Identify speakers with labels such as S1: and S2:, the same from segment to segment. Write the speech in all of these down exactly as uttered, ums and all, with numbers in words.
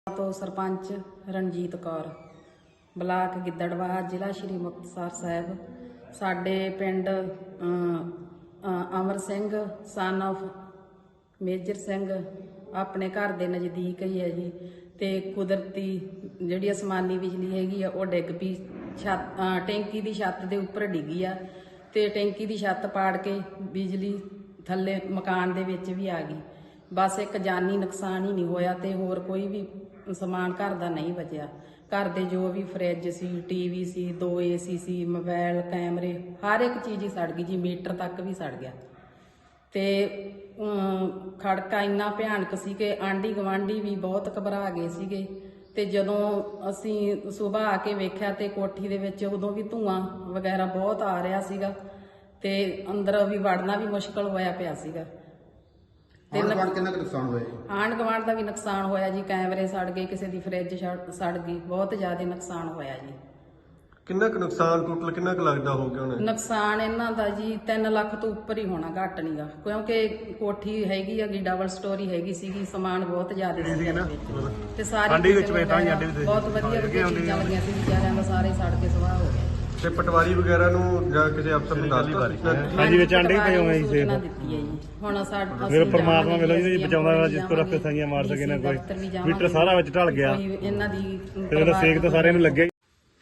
S1: ਤੋਂ ਸਰਪੰਚ ਰਣਜੀਤ ਕੌਰ, ਬਲਾਕ ਗਿੱਦੜਬਾਹਾ, ਜ਼ਿਲ੍ਹਾ ਸ਼੍ਰੀ ਮੁਕਤਸਰ ਸਾਹਿਬ। ਸਾਡੇ ਪਿੰਡ Amar Singh son of major Singh ਆਪਣੇ ਘਰ ਦੇ ਨਜ਼ਦੀਕ ਹੀ ਹੈ ਜੀ। ਤੇ ਕੁਦਰਤੀ ਜਿਹੜੀ ਅਸਮਾਨੀ ਬਿਜਲੀ ਹੈਗੀ ਆ ਉਹ ਡਿੱਗ ਪਈ, ਛੱਤ ਟੈਂਕੀ ਦੀ ਛੱਤ ਦੇ ਉੱਪਰ ਡਿੱਗੀ ਆ ਤੇ ਟੈਂਕੀ ਦੀ ਛੱਤ ਪਾੜ ਕੇ ਬਿਜਲੀ ਥੱਲੇ ਮਕਾਨ ਦੇ ਵਿੱਚ ਵੀ ਆ ਗਈ। ਬਸ ਇੱਕ ਜਾਨੀ ਨੁਕਸਾਨ ਹੀ ਨਹੀਂ ਹੋਇਆ ਤੇ ਹੋਰ ਕੋਈ ਵੀ ਸਮਾਨ ਘਰ ਦਾ ਨਹੀਂ ਬਚਿਆ। ਘਰ ਦੇ ਜੋ ਵੀ ਫਰਿੱਜ ਸੀ, ਟੀਵੀ ਸੀ, ਦੋ ਏਸੀ ਸੀ, ਮੋਬਾਈਲ, ਕੈਮਰੇ, ਹਰ ਇੱਕ ਚੀਜ਼ ਹੀ ਸੜ ਗਈ ਜੀ। ਮੀਟਰ ਤੱਕ ਵੀ ਸੜ ਗਿਆ ਤੇ ਖੜਕਾ ਇੰਨਾ ਭਿਆਨਕ ਸੀ ਕਿ ਆਂਢੀ ਗੁਆਂਢੀ ਵੀ ਬਹੁਤ ਘਬਰਾ ਗਏ ਸੀਗੇ। ਤੇ ਜਦੋਂ ਅਸੀਂ ਸੁਬਾਹ ਆ ਕੇ ਵੇਖਿਆ ਤੇ ਕੋਠੀ ਦੇ ਵਿੱਚ ਉਦੋਂ ਵੀ ਧੂਆਂ ਵਗੈਰਾ ਬਹੁਤ ਆ ਰਿਹਾ ਸੀਗਾ ਤੇ ਅੰਦਰ ਵੀ ਵੜਨਾ ਵੀ ਮੁਸ਼ਕਲ ਹੋਇਆ ਪਿਆ ਸੀਗਾ।
S2: ਆਂਢ ਗੁਆਂਢ ਕਿੰਨਾ ਕੁ ਨੁਕਸਾਨ ਹੋਇਆ ਜੀ?
S1: ਆਂਢ ਗੁਆਂਢ ਦਾ ਵੀ ਨੁਕਸਾਨ ਹੋਇਆ ਜੀ। ਕੈਮਰੇ ਸੜ ਗਏ, ਕਿਸੇ ਦੀ ਫਰਿੱਜ ਸੜ ਗਈ, ਬਹੁਤ ਜ਼ਿਆਦਾ ਨੁਕਸਾਨ ਹੋਇਆ ਜੀ।
S3: ਕਿੰਨਾ ਕੁ ਨੁਕਸਾਨ ਟੋਟਲ ਕਿੰਨਾ ਕੁ ਲੱਗਦਾ ਹੋ ਗਿਆ ਹੁਣ?
S1: ਨੁਕਸਾਨ ਇਹਨਾਂ ਦਾ ਜੀ ਤਿੰਨ ਲੱਖ ਤੋਂ ਉੱਪਰ ਹੀ ਹੋਣਾ, ਘੱਟ ਨਹੀਂਗਾ, ਕਿਉਂਕਿ ਕੋਠੀ ਹੈਗੀ ਹੈਗੀ ਡਬਲ ਸਟੋਰੀ ਹੈਗੀ ਸੀਗੀ, ਸਮਾਨ ਬਹੁਤ ਜ਼ਿਆਦਾ ਸੀ ਇਹਦੇ ਵਿੱਚ ਤੇ ਸਾਰੇ
S3: ਆਂਡੀ ਵਿੱਚ ਵੇ ਤਾਂ ਹੀ ਆਂਡੇ ਵਿੱਚ
S1: ਬਹੁਤ ਵਧੀਆ ਵਧੀਆ ਚੀਜ਼ਾਂ ਲੱਗੀਆਂ ਸੀ ਵਿਚਾਰਿਆਂ ਦਾ, ਸਾਰੇ ਸੜ ਕੇ ਸਵਾਹ ਹੋ ਗਏ।
S3: ਤੇ ਪਟਵਾਰੀ ਵਗੈਰਾ ਨੂੰ ਜਾਂ ਕਿਸੇ ਅਫਸਰ ਨੂੰ ਦੱਸ ਦਿੱਤਾ?
S1: ਹਾਂਜੀ, ਵਿੱਚ ਆਂਡੇ ਪਏ ਹੋਏ ਸੀ ਸੇਫ ਦਿੱਤੀ ਹੈ ਜੀ। ਹੁਣ ਸਾਡਾ
S4: ਫਿਰ ਪਰਮਾਤਮਾ ਮਿਲੋ ਜੀ ਬਚਾਉਂਦਾ, ਜਿਸ ਕੋ ਰੱਖੇ ਸਾਈਆਂ ਮਾਰ ਸਕੇ ਨਾ ਕੋਈ। ਮੀਟਰ ਸਾਰਾ ਵਿੱਚ ਢਲ ਗਿਆ
S1: ਇਹਨਾਂ ਦੀ
S4: ਤੇ ਇਹਦਾ ਸੇਕ ਤਾਂ ਸਾਰਿਆਂ ਨੂੰ ਲੱਗਿਆ।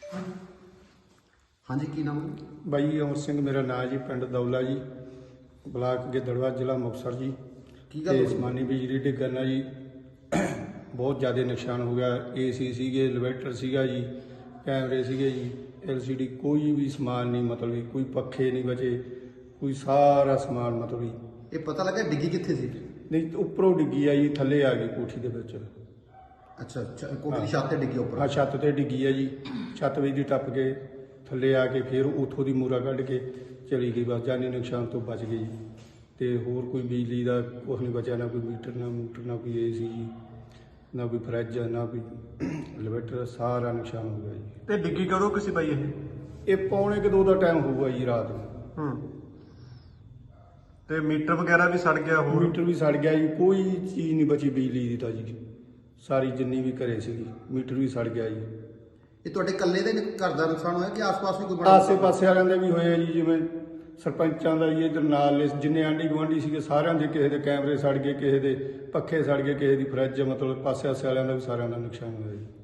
S2: ਹਾਂਜੀ, ਕੀ ਨਾਮ?
S5: ਬਾਈ ਅਮਰ ਸਿੰਘ ਮੇਰਾ ਨਾਂ ਜੀ, ਪਿੰਡ ਦੌਲਾ ਜੀ, ਬਲਾਕ ਗਿੱਦੜਬਾਹਾ, ਜ਼ਿਲ੍ਹਾ ਮੁਕਤਸਰ ਜੀ।
S2: ਕੀ ਗੱਲ
S5: ਤੇ
S2: ਹੋਈ?
S5: ਅਸਮਾਨੀ ਬਿਜਲੀ ਡਿੱਗਣ ਨਾਲ ਜੀ ਬਹੁਤ ਜ਼ਿਆਦਾ ਨੁਕਸਾਨ ਹੋ ਗਿਆ। ਏਸੀ ਸੀਗੇ, ਇਨਵਰਟਰ ਸੀਗਾ ਜੀ, ਕੈਮਰੇ ਸੀਗੇ ਜੀ, ਐਲ ਸੀ ਡੀ, ਕੋਈ ਵੀ ਸਮਾਨ ਨਹੀਂ, ਮਤਲਬ ਵੀ ਕੋਈ ਪੱਖੇ ਨਹੀਂ ਬਚੇ, ਕੋਈ ਸਾਰਾ ਸਮਾਨ ਮਤਲਬ ਵੀ।
S2: ਇਹ ਪਤਾ ਲੱਗਾ ਡਿੱਗੀ ਕਿੱਥੇ ਸੀ?
S5: ਨਹੀਂ, ਉੱਪਰੋਂ ਡਿੱਗੀ ਆ ਜੀ, ਥੱਲੇ ਆ ਗਈ ਕੋਠੀ ਦੇ ਵਿੱਚ।
S2: ਅੱਛਾ, ਕੋਠੀ ਦੀ ਛੱਤ ਤੇ ਡਿੱਗੀ ਉੱਪਰ?
S5: ਹਾਂ, ਛੱਤ ਤੇ ਡਿੱਗੀ ਆ ਜੀ। ਛੱਤ ਵਿੱਚ ਦੀ ਟੱਪ ਕੇ ਥੱਲੇ ਆ ਕੇ ਫਿਰ ਉੱਥੋਂ ਦੀ ਮੂਰਾ ਕੱਢ ਕੇ ਚਲੀ ਗਈ। ਬਸ ਜਾਨੀ ਨੁਕਸਾਨ ਤੋਂ ਬਚ ਗਈ ਜੀ। ਤੇ ਹੋਰ ਕੋਈ ਬਿਜਲੀ ਦਾ ਕੁਛ ਨਹੀਂ ਬਚਿਆ, ਨਾ ਕੋਈ ਮੀਟਰ, ਨਾ ਮੂਟਰ, ਨਾ ਕੋਈ ਏ ਸੀ ਜੀ, ਨਾ ਕੋਈ ਫਰਿੱਜ, ਨਾ ਕੋਈ ਇਨਵਰਟਰ, ਸਾਰਾ ਨੁਕਸਾਨ ਹੋ ਗਿਆ ਜੀ।
S3: ਤੇ ਡਿੱਗੀ ਕਦੋਂ ਕਿਸੇ ਪਈ ਇਹ?
S5: ਇਹ ਪੌਣੇ ਕੁ ਦੋ ਦਾ ਟਾਈਮ ਹੋਊਗਾ ਜੀ, ਰਾਤ ਨੂੰ।
S3: ਹੂੰ। ਤੇ ਮੀਟਰ ਵਗੈਰਾ ਵੀ ਸੜ ਗਿਆ? ਹੋਰ
S5: ਮੀਟਰ ਵੀ ਸੜ ਗਿਆ ਜੀ, ਕੋਈ ਚੀਜ਼ ਨਹੀਂ ਬਚੀ ਬਿਜਲੀ ਦੀ ਤਾਂ ਜੀ, ਸਾਰੀ ਜਿੰਨੀ ਵੀ ਘਰੇ ਸੀਗੀ। ਮੀਟਰ ਵੀ ਸੜ ਗਿਆ ਜੀ।
S2: ਇਹ ਤੁਹਾਡੇ ਇਕੱਲੇ ਦੇ ਘਰ ਦਾ ਨੁਕਸਾਨ ਹੋਇਆ ਕਿ ਆਸ-ਪਾਸ ਵੀ ਕੋਈ ਬੜਾ?
S5: ਆਸੇ ਪਾਸੇ ਵਾਲਿਆਂ ਦੇ ਵੀ ਹੋਏ ਆ ਜੀ, ਜਿਵੇਂ ਸਰਪੰਚਾਂ ਦਾ ਜੀ, ਇਧਰ ਨਾਲ ਜਿੰਨੇ ਆਂਢੀ ਗੁਆਂਢੀ ਸੀਗੇ ਸਾਰਿਆਂ ਦੇ, ਕਿਸੇ ਦੇ ਕੈਮਰੇ ਸੜ ਗਏ, ਕਿਸੇ ਦੇ ਪੱਖੇ ਸੜ ਗਏ, ਕਿਸੇ ਦੀ ਫਰਿੱਜ, ਮਤਲਬ ਪਾਸੇ ਆਸੇ ਵਾਲਿਆਂ ਦਾ ਵੀ ਸਾਰਿਆਂ ਦਾ ਨੁਕਸਾਨ ਹੋਇਆ ਜੀ।